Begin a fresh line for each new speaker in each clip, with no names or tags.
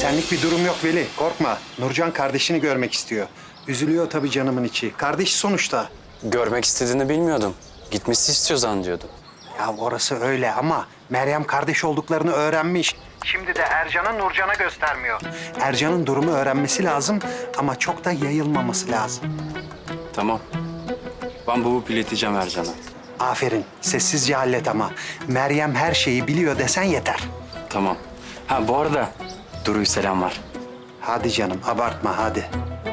Senlik bir durum yok Veli. Korkma. Nurcan kardeşini görmek istiyor. Üzülüyor tabii canımın içi. Kardeş sonuçta.
Görmek istediğini bilmiyordum. Gitmesi istiyor zannediyordum.
Ya orası öyle ama Meryem kardeş olduklarını öğrenmiş. Şimdi de Ercan'ı Nurcan'a göstermiyor. Ercan'ın durumu öğrenmesi lazım ama çok da yayılmaması lazım.
Tamam. Ben bulup ileteceğim Ercan'a.
Aferin. Sessizce hallet ama. Meryem her şeyi biliyor desen yeter.
Tamam. Ha bu arada Duru'ya selam var.
Hadi canım abartma hadi.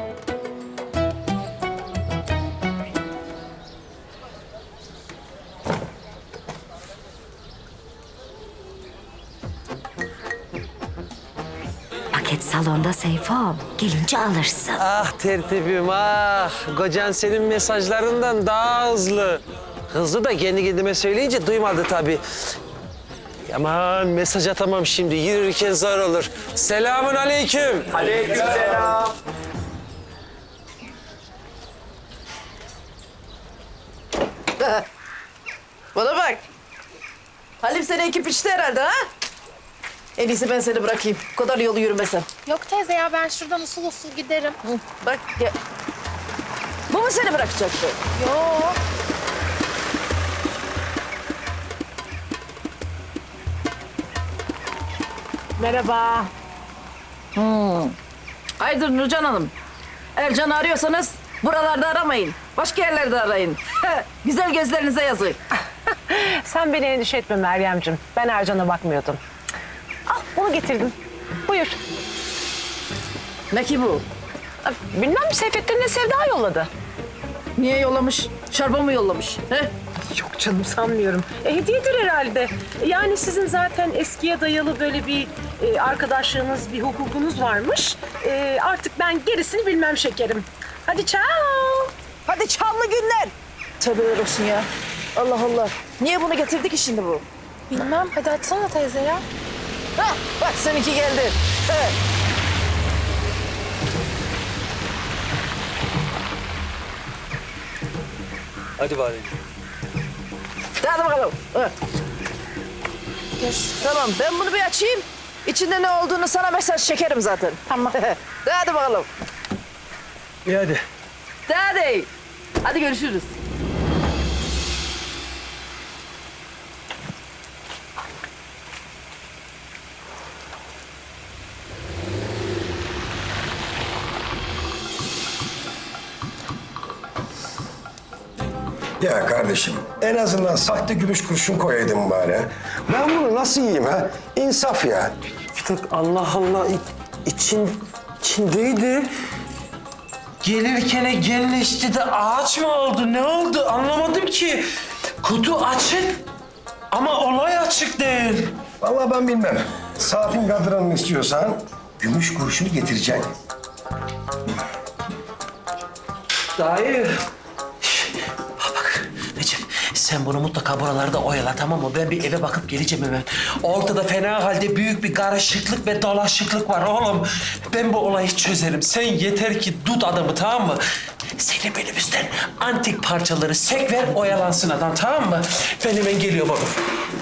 Paket salonda Seyfom. Gelince alırsın.
Ah tertibim ah. Kocan senin mesajlarından daha hızlı. Hızlı da kendi kendime söyleyince duymadı tabii. Aman mesaj atamam şimdi. Yürürken zor olur. Selamun aleyküm.
Aleykümselam.
Bana bak. Halim seni ekip içti herhalde ha? En iyisi ben seni bırakayım. O kadar yolu yürümesem.
Yok teyze ya ben şuradan usul usul giderim.
Hı, bak ya. Bu mu seni bırakacaktı?
Yok.
Merhaba. Hayırdır Nurcan Hanım? Ercan'ı arıyorsanız buralarda aramayın. Başka yerlerde arayın. Güzel gözlerinize yazık.
Sen beni endişe etme Meryemciğim. Ben Ercan'a bakmıyordum. Al bunu getirdim. Buyur.
Ne ki bu?
Bilmem Seyfettin'le Sevda yolladı.
Niye yollamış? Şarba mı yollamış? He?
Yok canım sanmıyorum. Hediyedir herhalde. Yani sizin zaten eskiye dayalı böyle bir arkadaşlığınız, bir hukukunuz varmış. Artık ben gerisini bilmem şekerim. Hadi ciao.
Hadi çamlı günler. Tövbeler olsun ya. Allah Allah. Niye bunu getirdi ki şimdi bu?
Bilmem hadi açsana teyze ya.
Hah, bak seninki geldi. Evet.
Hadi bari.
Hadi bakalım. Evet.
Görüşürüz.
Tamam ben bunu bir açayım. İçinde ne olduğunu sana mesaj çekerim zaten.
Tamam.
Hadi bakalım.
İyi hadi.
Hadi. Hadi görüşürüz.
Ya kardeşim en azından sahte gümüş kurşun koyaydın bari. Ben bunu nasıl yiyeyim ha? İnsaf ya.
Bir dakika, Allah Allah. İçindeydi. Gelirken genleşti de ağaç mı oldu? Ne oldu? Anlamadım ki. Kutu açık ama olay açık değil.
Vallahi ben bilmem. Saatin kadranını istiyorsan gümüş kurşunu getireceksin.
Dayı. Bak Recep, sen bunu mutlaka buralarda oyala, tamam mı? Ben bir eve bakıp geleceğim hemen. Ortada fena halde büyük bir karışıklık ve dolaşıklık var oğlum. Ben bu olayı çözerim. Sen yeter ki tut adamı, tamam mı? Senin minibüsten antik parçaları sek ver, oyalansın adam, tamam mı? Ben hemen geliyorum oğlum.